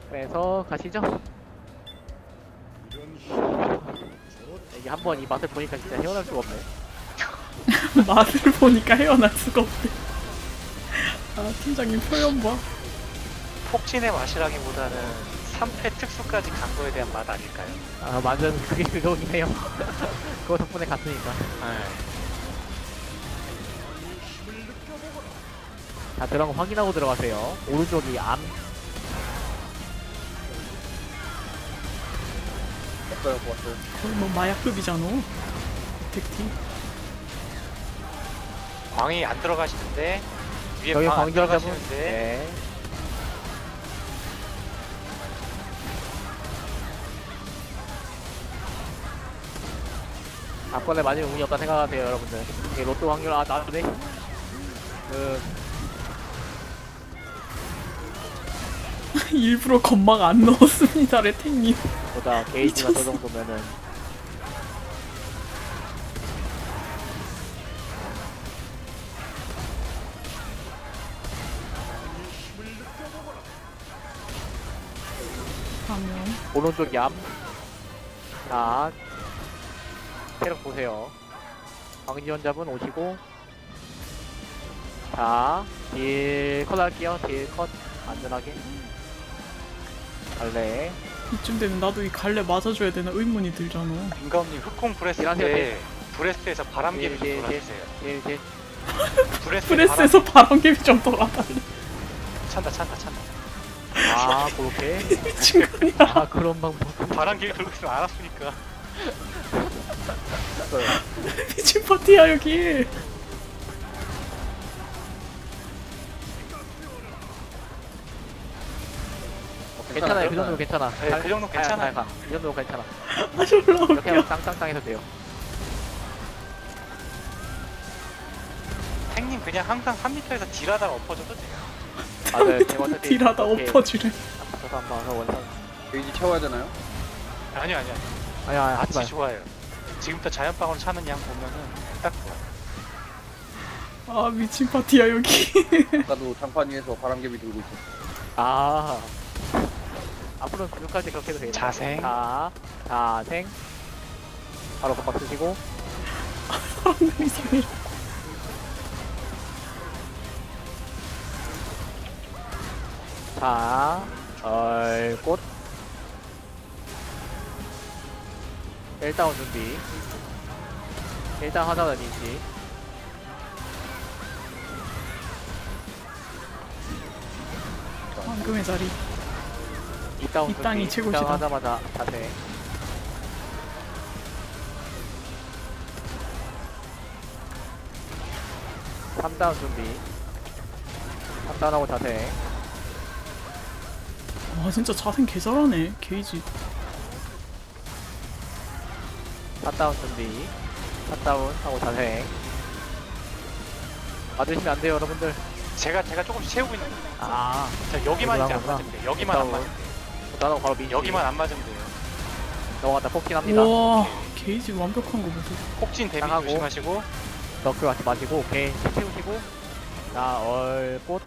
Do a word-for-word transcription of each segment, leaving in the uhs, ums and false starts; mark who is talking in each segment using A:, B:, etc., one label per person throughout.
A: 그래서 가시죠. 이게 한번 이 맛을 보니까 진짜 헤어날 수가 없네.
B: 맛을 보니까 헤어날 수가 없대. 아 팀장님 표현 봐.
C: 폭진의 맛이라기보다는 삼 패 특수까지 간 거에 대한 맛 아닐까요?
A: 아 완전 그게 그거긴 해요. 그거 덕분에 갔으니까.
C: 네.
A: 자 들어간 거 확인하고 들어가세요. 오른쪽이 암.
D: 왔어요, 왔어요.
B: 거의 뭐 마약급이잖아. 덱티.
C: 광이 안 들어가시는데 위에
A: 여기
C: 광 안
A: 광전 잡은.
C: 들어가시는데
A: 네. 앞번에 맞으면 운이 없다 생각하세요 여러분들. 이게 로또 확률 아 나쁘네. 그
B: 일부러 건막 안 넣었습니다, 레탱님.
A: 보다 게이지가 저 정도면은
B: 하면
A: 오른쪽 얌. 자 체력 보세요. 광지원잡은 오시고. 자 딜 컷 할게요. 딜 컷 안전하게. 갈래.
B: 이쯤 되면 나도 이 갈래 맞아줘야 되나 의문이 들잖아.
C: 민가님 흑공 브레스
A: 일하세요,
C: 때 브레스에서 바람개비 좀
A: 네, 네,
C: 돌아주세요.
A: 딜 딜.
C: 브레스
B: 프레스에서 바람개비 좀 돌아달래.
C: 찬다 찬다 찬다.
A: 아 그렇게.
B: 미친 거 아니야.
A: 아 그런 방법.
C: 바람개비 돌고 있으면 알았으니까.
D: 왔어요.
B: 미친 파티야 여기.
A: 괜찮아요. 그 정도 괜찮아.
C: 네, 그 정도 괜찮아요.
A: 가, 가. 이 정도 괜찮아.
B: 아 졸라
A: 이렇게
B: 웃겨.
A: 하면 땅땅땅 해도 돼요.
C: 행님 그냥 항상 삼 미터에서 딜하다가 엎어져도 돼요.
A: 맞아요. 제가 어차피
B: 딜하다
A: 이렇게
B: 엎어지래.
A: 저도 한번 와서 원상.
D: 게이지 채워야 되나요?
C: 아니요 아니요.
A: 아니 아니 하지
C: 같이
A: 마요.
C: 좋아요. 지금부터 자연방으로 차는 양 보면은 딱 좋아.
B: 아 미친 파티야 여기.
D: 아까도 장판 위에서 바람개비 들고 있었어.
A: 아 앞으로는 근육할 때 그렇게 해도 돼요.
C: 자생.
A: 자 자생. 바로 겁박 쓰시고.
B: 이상해.
A: 자 얼꽃. 일다운 준비. 일단 하자는 인지.
B: 황금의 자리.
A: 이다운
B: 이 땅이
A: 준비.
B: 최고시다.
A: 이다운 하자마자 자생. 삼다운 준비. 삼다운하고 자생.
B: 와 진짜 자생 개 잘하네. 게이지.
A: 샷다운 준비. 샷다운 하고 자생. 맞으시면 안 돼요 여러분들.
C: 제가 제가 조금씩 채우고 있는 거예요.
A: 아
C: 자 여기만 이제 안
A: 그러구나.
C: 맞으면 돼요. 여기만 안
A: 샷다운.
C: 맞으면 돼요.
A: 나도 바로 민지.
C: 여기만 안 맞으면 돼요.
A: 넘어갔다 폭진합니다.
B: 와 게이지 완벽한 거 보세요.
C: 폭진 데미
A: 당하고.
C: 조심하시고.
A: 너클 같이 마시고 오케이 채우시고. 자 얼꽃.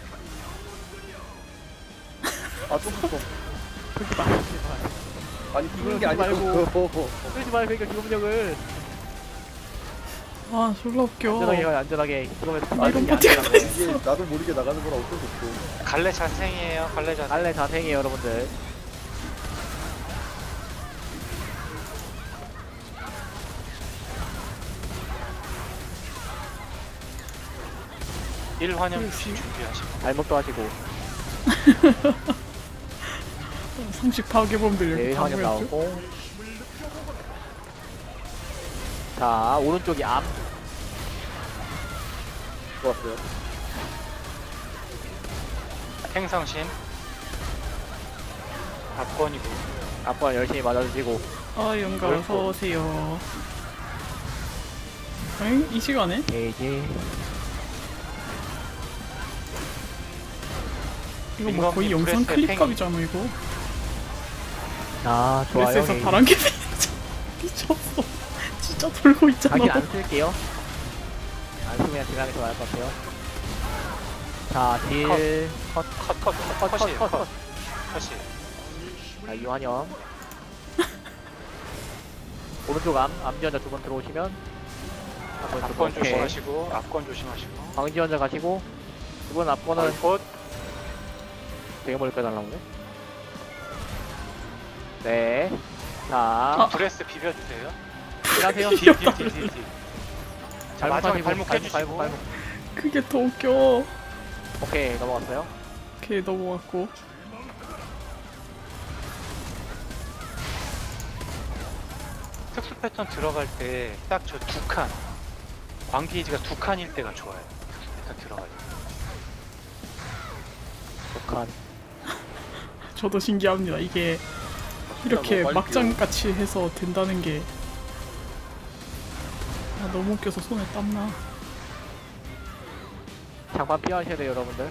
D: 아, 또 붙어.
A: 풀지 마. 풀지 마.
D: 아니, 부는 게
A: 그러지 말고.
D: 아니고.
A: 풀지 마. 그러니까 기동력을
B: 아 졸라 웃겨.
A: 안전하게 가요 안전하게. 그러면
B: 아, 이런 파티가 다 있어.
D: 이게 나도 모르게 나가는 거라 어쩔 수 없어.
C: 갈래 자생이에요. 갈래 자생.
A: 갈래 자생이에요 여러분들.
C: 일 환영
B: 그렇지.
C: 준비하시고.
A: 발목도 하시고.
B: 상식 파괴범들 여기
A: 네
B: 다
A: 환영
B: 모였죠?
A: 나오고. 자 오른쪽이 암.
D: 좋았어요.
C: 행성신. 박건이고.
A: 앞번 열심히 맞아주시고.
B: 아 영가 어서 오세요. 엥? 이 시간에?
A: 게이지.
B: 이거 뭐 거의
C: 민감히
B: 영상
C: 브레스의
B: 클립값이잖아 이거.
A: 아 좋아요.
B: 그래서
A: 게이지.
B: 바람개 미쳤어. 진짜 돌고 있잖아.
A: 자기 안 쓸게요. 안 쓰면 그냥 지나가는 게 나을 것 같아요. 자, 딜, 컷,
C: 컷, 컷, 컷,
A: 컷, 컷,
C: 컷이에요.
A: 컷,
C: 컷.
A: 컷.
C: 컷이.
A: 자, 이환영. 오른쪽 암, 암지원자 두 번 들어오시면. 한번
C: 앞건
A: 오케이.
C: 조심하시고, 앞건 조심하시고.
A: 광지원자 가시고. 두 번 앞건은
C: 얼꽃.
A: 되게 멀리 빼달라고네. 네. 자,
B: 아.
C: 브레스 비벼주세요.
A: 일하세요.
C: 뒤, 뒤, 뒤, 뒤, 뒤. 자, 마지막에
A: 발목,
C: 발목
A: 발목,
C: 해주시고.
A: 발목.
B: 그게 더 웃겨.
A: 오케이, 넘어갔어요.
B: 오케이, 넘어갔고.
C: 특수 패턴 들어갈 때 딱 저 두 칸. 광기지가 두 칸일 때가 좋아요. 특수 패턴 들어갈 때.
A: 독한.
B: 저도 신기합니다. 이게 이렇게
D: 너무 빨리
B: 막장같이 해서 된다는 게. 아, 너무 웃겨서 손에 땀나.
A: 장판 피하셔야 돼요, 여러분들.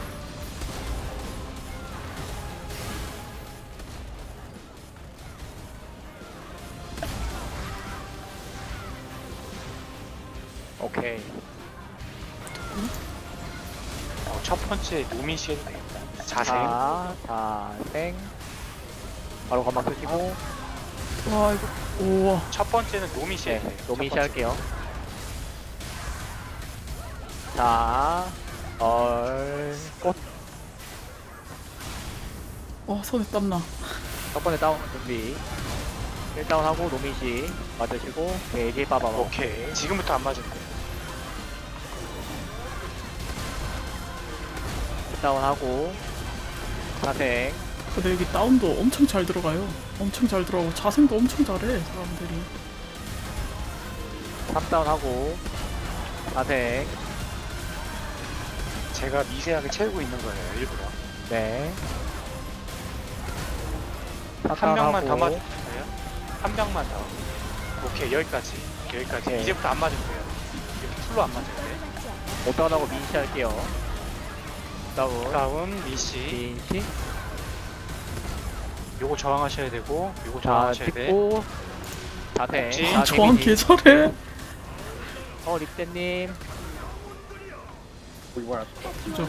A: 오케이.
C: 어, 첫 번째 노민 씨 해도 되겠다. 자생.
A: 자, 자생. 바로 건막 쓰시고.
B: 와, 이거. 우와.
C: 첫 번째는 노민 씨
A: 네,
C: 해도 돼요.
A: 노민
C: 첫
A: 씨
C: 번째.
A: 할게요. 자, 얼, 꽃.
B: 와, 손에 땀나.
A: 첫 번째 다운 준비. 일 다운 하고 노민 씨 맞으시고. 네, 이제 빠바.
C: 오케이. 지금부터 안 맞으면 돼요.
A: 일 다운 하고. 자생.
B: 근데 여기 다운도 엄청 잘 들어가요. 엄청 잘 들어가고 자생도 엄청 잘해, 사람들이.
A: 삼 다운 하고. 자생.
C: 제가 미세하게 채우고 있는 거예요, 일부러.
A: 네.
C: 한 명만 더
A: 하고.
C: 맞으세요. 한 명만 더. 오케이, 여기까지. 여기까지.
A: 오케이.
C: 이제부터 안 맞으면 돼요. 이렇게 풀로 안 맞아야 돼.
A: 오 다운 하고 민씨 할게요. 다운.
C: 다음, 미씨.
A: 민씨.
C: 요거 저항하셔야 되고, 요거
A: 자,
C: 저항하셔야 돼.
A: 찍고. 자생.
C: 그렇지.
A: 자,
B: 저항
A: 데미지.
B: 개 잘해.
A: 어, 립대님.
D: 뭐 이번
B: 진짜.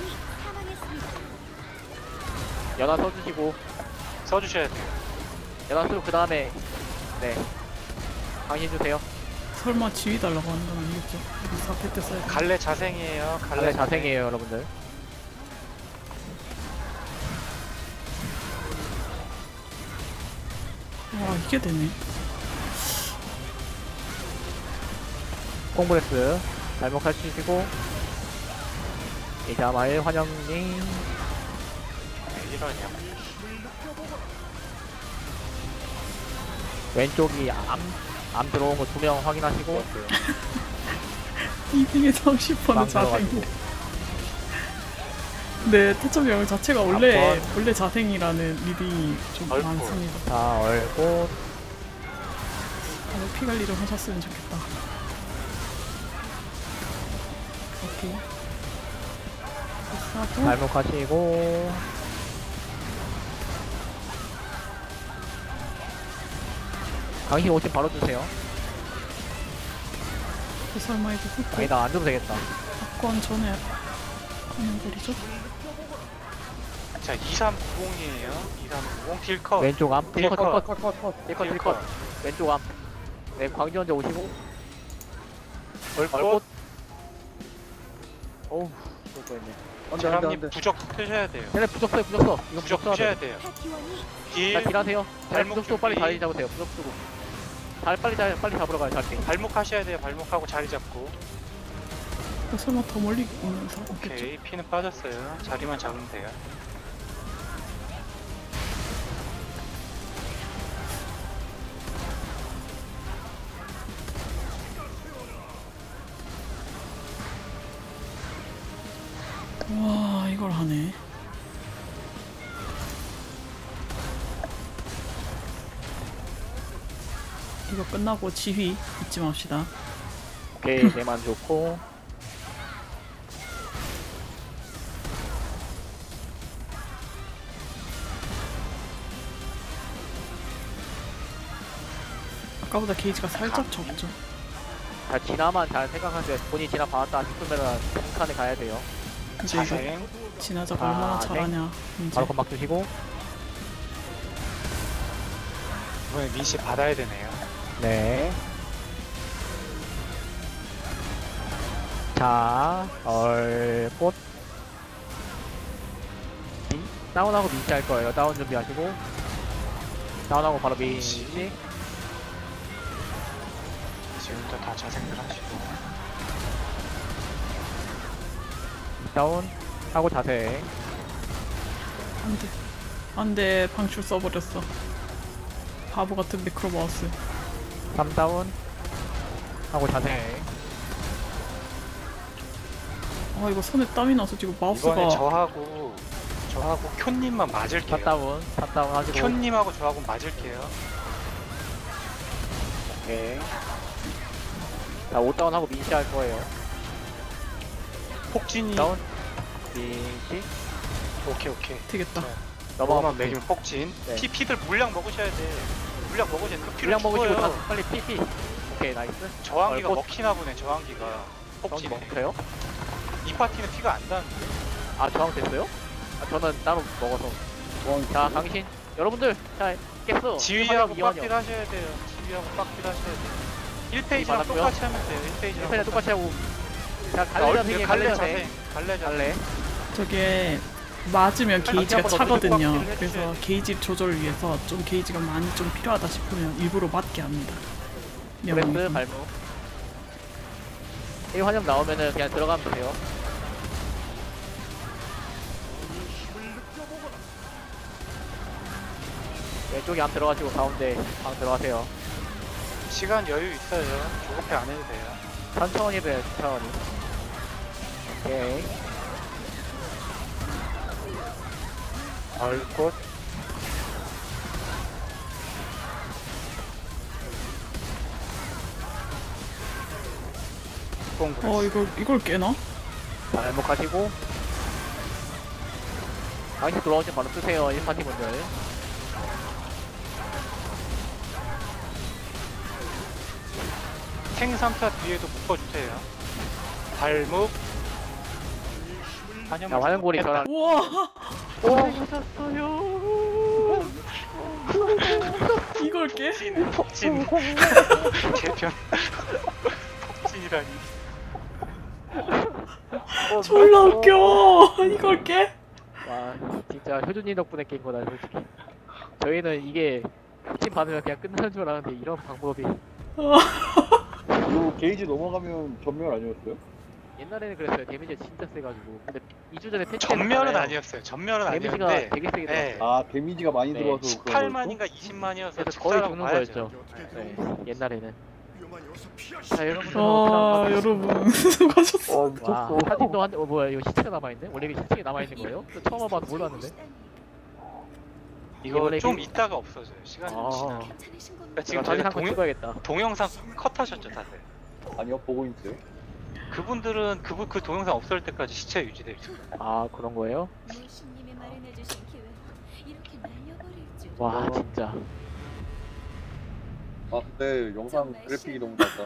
A: 연화 써주시고.
C: 써주셔야 돼요.
A: 연화 쓰고, 그 다음에. 네. 강의해주세요.
B: 설마 지휘 달라고 하는 건 아니겠죠? 여기 사 패 때 써야 돼.
C: 갈래 자생이에요. 갈래,
A: 갈래 자생이에요, 여러분들.
B: 와, 이게 되네.
A: 콩브레스. 발목 하시고. 이자마일 환영님.
C: 네, 이러냐.
A: 왼쪽이 암, 암 들어온 거 두 명 확인하시고.
B: 이빙의 삼십 퍼센트
A: 빵
B: 자생.
A: 들어가지고.
B: 네, 태초병 자체가 원래
C: 한번.
B: 원래 자생이라는 리딩이 좀
C: 얼굴.
B: 많습니다.
A: 자, 얼꽃.
B: 다들 피 관리 좀 하셨으면 좋겠다. 오케이. 하고
A: 발목 하시고. 강신 오신 바로 주세요.
B: 설마 이거 훑고
A: 아니다, 안 줘도 되겠다.
B: 박권 전에 하는 거리죠?
C: 자, 이삼구공이에요. 이삼구공 딜컷.
A: 왼쪽 암. 딜컷, 딜컷.
D: 컷컷컷
A: 딜컷, 딜컷. 왼쪽 암. 네, 광지원자 오시고. 얼꽃.
C: 얼꽃.
A: 어우, 쏠 뻔했네.
D: 안돼 안돼
C: 사람님
D: 안돼
C: 부적 펴셔야 돼요.
A: 쟤네 부적 써요, 부적 써. 이거
C: 부적
A: 부적 써야
C: 펴셔야
A: 돼.
C: 돼요.
A: 자,
C: 딜,
A: 딜하세요. 잘
C: 발목
A: 부적 쓰고 빨리
C: 준비.
A: 자리 잡으세요. 부적 쓰고. 잘, 빨리, 잘, 빨리 잡으러 가요, 잘.
C: 발목 하셔야 돼요. 발목하고 자리 잡고.
B: 어, 설마 더 멀리 있는 사람 없겠죠?
C: 오케이, 피는 빠졌어요. 자리만 잡으면 돼요.
B: 와, 이걸 하네. 이거 끝나고 지휘 잊지 맙시다.
A: 오케이, 내만 좋고.
B: 아까보다 게이지가 살짝 적죠.
A: 자, 진화만 잘 생각하세요. 본인이 진화 받았다 싶으면 빈칸에 가야 돼요.
B: 이제 이거
C: 자생.
B: 지나자가
A: 아,
B: 얼마나
A: 네.
B: 잘하냐. 이제
A: 바로 건막 주시고.
C: 이번에 민씨 받아야 되네요.
A: 네. 자, 얼꽃. 민, 다운하고 민씨 할 거예요. 다운 준비하시고. 다운하고 바로 민씨.
C: 지금부터 다 자생들 하시고.
A: 다운 하고 자세.
B: 안돼 안돼 방출 써버렸어. 바보 같은 미크로마우스.
A: 삼 다운 하고 자세.
B: 아 이거 손에 땀이 나서 지금 마우스가
C: 이번에 저하고 저하고 쿄님만
A: 사
C: 맞을게요.
A: 다운, 사 다운 하시고.
C: 쿄님하고 저하고 맞을게요.
A: 오케이. 자, 오 다운 하고 민씨 할 거예요.
C: 폭진이
A: 다운. 민씨.
C: 오케이 오케이.
B: 되겠다.
A: 넘어가면
C: 넘어가면 매기면 폭진.
A: 네.
C: 피 피들 물량 먹으셔야 돼. 물량 먹으셔야 돼. 그 피를
A: 물량 먹으시고
C: 죽어요.
A: 다 빨리 피피. 오케이, 나이스.
C: 저항기가
A: 얼꽃.
C: 먹히나 보네. 저항기가
A: 저항
C: 폭진에.
A: 먹혀요?
C: 이 파티는 피가 안 나는데.
A: 아, 저항 됐어요? 아, 저는 따로 먹어서. 자, 당신. 여러분들, 자, 깼어.
C: 지휘하고
A: 이완이요.
C: 빡딜 하셔야 돼요. 지휘하고 빡딜 하셔야 돼요. 일 페이지랑
A: 받았고요.
C: 똑같이 하면 돼요. 일 페이지랑
A: 일편에 똑같이 하고. 자,
C: 자,
A: 갈래
C: 얼-
A: 자생이
C: 갈래
A: 갈래
C: 자생.
A: 자생.
C: 갈래 자생.
A: 갈래.
B: 저게 맞으면 게이지가
A: 한번
B: 차거든요.
C: 어떻게 빡
B: 그래서
C: 해주셔야
B: 게이지 조절을 위해서 좀 게이지가 많이 좀 필요하다 싶으면 일부러 맞게 합니다.
A: 브레스
B: 명함이.
A: 발무. 일 환영 나오면은 그냥 들어가면 돼요. 왼쪽에 안 들어가시고 가운데 방 들어가세요.
C: 시간 여유 있어요. 조급해 안 해도 돼요.
A: 천천히 돼요, 천천히. 오케이.
C: 얼꽃.
B: 어 이걸 이걸 깨나?
A: 자, 행복하시고. 당신 들어오시면 바로 쓰세요, 일 파티 분들.
C: 생삼타 뒤에도 묶어주세요. 발목.
A: 자, 환영고리 저랑.
B: 우와
A: 오셨어요.
B: 이걸 깨?
C: 폭진, 폭진. 개편. 폭진이라니.
B: 졸라 웃겨. 이걸 깨?
A: 와, 진짜 효준님 덕분에 깬 거다, 솔직히. 저희는 이게 팀 받으면 그냥 끝나는 줄 알았는데 이런 방법이.
D: 이거 게이지 넘어가면 전멸 아니었어요?
A: 옛날에는 그랬어요. 데미지가 진짜 세가지고. 근데 이 주 전에 패치
C: 전멸은 아니었어요. 전멸은
A: 데미지가
C: 아니었는데.
A: 되게 세게
C: 네.
A: 들어왔어요.
D: 아 데미지가 많이
A: 네,
D: 들어와서
C: 십팔만인가 이십만이어서
A: 그래서 거의 죽는 거였죠. 네, 옛날에는. 자, 여러분.
B: 아 여러분 수고하셨어.
D: 어
A: 와,
D: 미쳤어.
A: 사진도 한, 어, 뭐야, 이거 시체가 남아있네? 원래 이게 시체가 남아있는 거예요? 저 처음 와봐서 몰랐는데?
C: 이거
A: 이번에
C: 좀
A: 그-
C: 있다가 없어져요. 시간이
A: 아,
C: 지나면. 그러니까
A: 지금
C: 지금
A: 사진
C: 저희가
A: 한번
C: 동,
A: 찍어야겠다.
C: 동영상 컷하셨죠, 다들.
D: 아니요 보고 있어요.
C: 그분들은 그, 그 동영상 없을 때까지 시체 유지돼 있어요.
A: 아, 그런 거예요?
E: 모신님이 마련해주신 기회 이렇게 날려버릴 줄.
A: 와, 진짜.
D: 아 근데 영상 그래픽이 너무 좋다.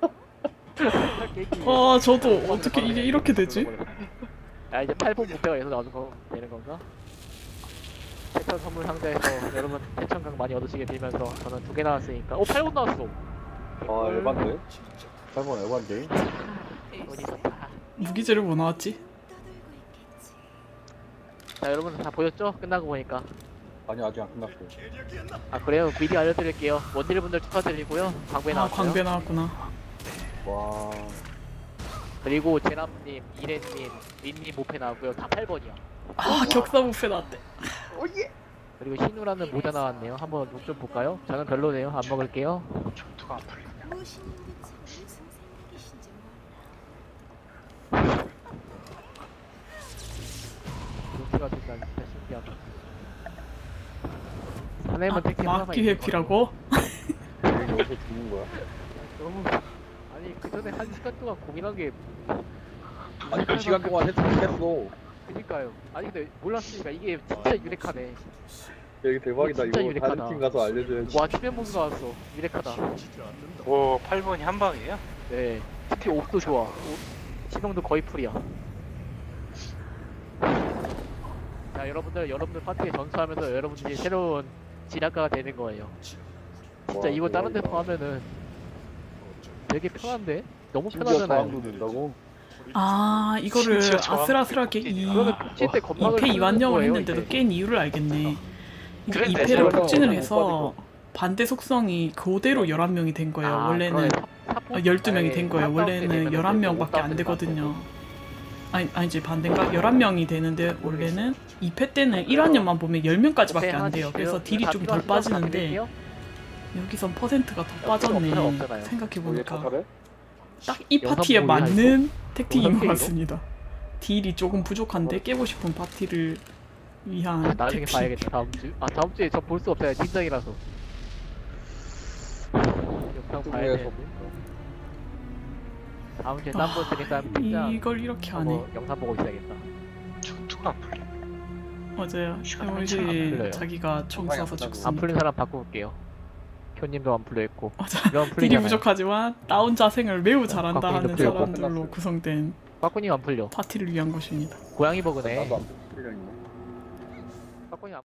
B: 아 저도 어떻게 이게 이렇게 되지?
A: 야, 이제 팔 분 목표가 여기서 나오는 거 되는 건가? 대천 선물 상자에서 여러분 대천강 많이 얻으시게 빌면서 저는 두 개 나왔으니까. 오, 팔 분 나왔어!
D: 아 에반데? 팔번 에반데?
A: 돈이 좋다.
B: 무기제를 뭐 나왔지?
E: 떠들고 있겠지.
A: 자, 여러분 다 보셨죠? 끝나고 보니까.
D: 아니 아직 안 끝났어요.
A: 아, 그래요? 미리 알려드릴게요. 원딜분들 축하드리고요. 광배
B: 아
A: 나왔어요.
B: 광배 나왔구나.
D: 와
A: 그리고 제남님, 이래님, 린님 모페 나왔고요. 다 팔 번이요.
B: 아 격사 부페 나왔대.
A: 그리고 신우라는 모자 나왔네요. 한번 욕 좀 볼까요? 저는 별로네요. 안 먹을게요.
C: 전투가 안 풀리냐.
E: 모신님 근처 무슨 생각이신지 몰라.
A: 욕수가 된다니 진짜 신기하다. 사내문
B: 아,
A: 택시
B: 막기 회피라고?
D: 여기 여기서 죽는 거야?
A: 너무 아니 그 전에 한 시간 동안 고민한 게
D: 아니 그 시간 동안 했, 했어.
A: 그니까요. 아니 근데 몰랐으니까 이게 진짜 유력하네.
D: 여기 대박이다.
A: 진짜
D: 이거
A: 유력하다.
D: 다른 팀 가서 알려줘야지.
A: 와 추면봉 나왔어. 유력하다.
C: 오, 팔 번이 한 방이에요?
A: 네. 특히 옷도 좋아. 옷, 시동도 거의 풀이야. 자 여러분들 여러분들 파티에 전수하면서 여러분들이 새로운 진학가가 되는 거예요. 진짜
D: 와,
A: 이거 다른 데서
D: 대박이다.
A: 하면은 되게 편한데? 너무
D: 심지어
A: 편하잖아요.
D: 저항도 된다고?
B: 아 이거를
C: 심지어 저항
B: 아슬아슬하게 이
A: 그러면 칠 때 건방을
B: 이 패 이완령을
A: 거예요,
B: 했는데도
A: 이제.
B: 깬 이유를 알겠네.
C: 그래,
B: 이
C: 내
B: 패를
C: 생각은
B: 폭진을
D: 못
B: 해서 반대 속성이 그대로 열한 명이 된 거예요.
A: 아,
B: 원래는
A: 그러네. 사- 사포-
B: 어, 열두 명이 된
A: 아예
B: 거예요.
A: 탑다운 때
B: 원래는
A: 되면은
B: 열한 명밖에
A: 못
B: 안
A: 다운
B: 되거든요. 아니, 아니지 반대인가? 열한 명이 되는데 원래는 이 패 때는 일환년만 보면 열 명까지밖에 안 돼요. 그래서 딜이 좀 덜 빠지는데 여기선 퍼센트가 더 빠졌네.
A: 없잖아요.
D: 거기에
B: 생각해보니까
D: 타타래?
B: 딱 이
A: 영상
B: 파티에
A: 보기가
B: 맞는 택틱인 것
A: 영상
B: 같습니다. 딜이 조금 부족한데 깨고 싶은 파티를 위한
A: 나중에
B: 택틱.
A: 봐야겠다. 다음 주. 아 다음 주에 저 볼 수 없어요. 팀장이라서. 영상 봐야
D: 중국에서
A: 돼. 다음 주에 딴거 쓰겠다 하면 팀장.
B: 아, 이걸 이렇게 하네.
A: 한번 영상 보고 있어야겠다.
C: 전투가 안 풀려.
B: 맞아요.
C: 시간
B: 이제
A: 풀려요.
B: 자기가 총
D: 정말
B: 쏴서
D: 아프다고.
A: 안
B: 죽습니다.
A: 풀린 사람 바꿔볼게요. 쿄님도 안 풀려 있고.
B: 맞아.
A: 이런
B: 딜이
A: 풀리잖아요.
B: 부족하지만 다운 자생을 매우 잘한다
A: 곽군이도
B: 하는
A: 풀렸고.
B: 사람들로 구성된
A: 빠꾸님 안 풀려.
B: 파티를 위한 것입니다.
A: 고양이 버그네.
D: 나도 안 풀리려 있네.
A: 빠꾸님 안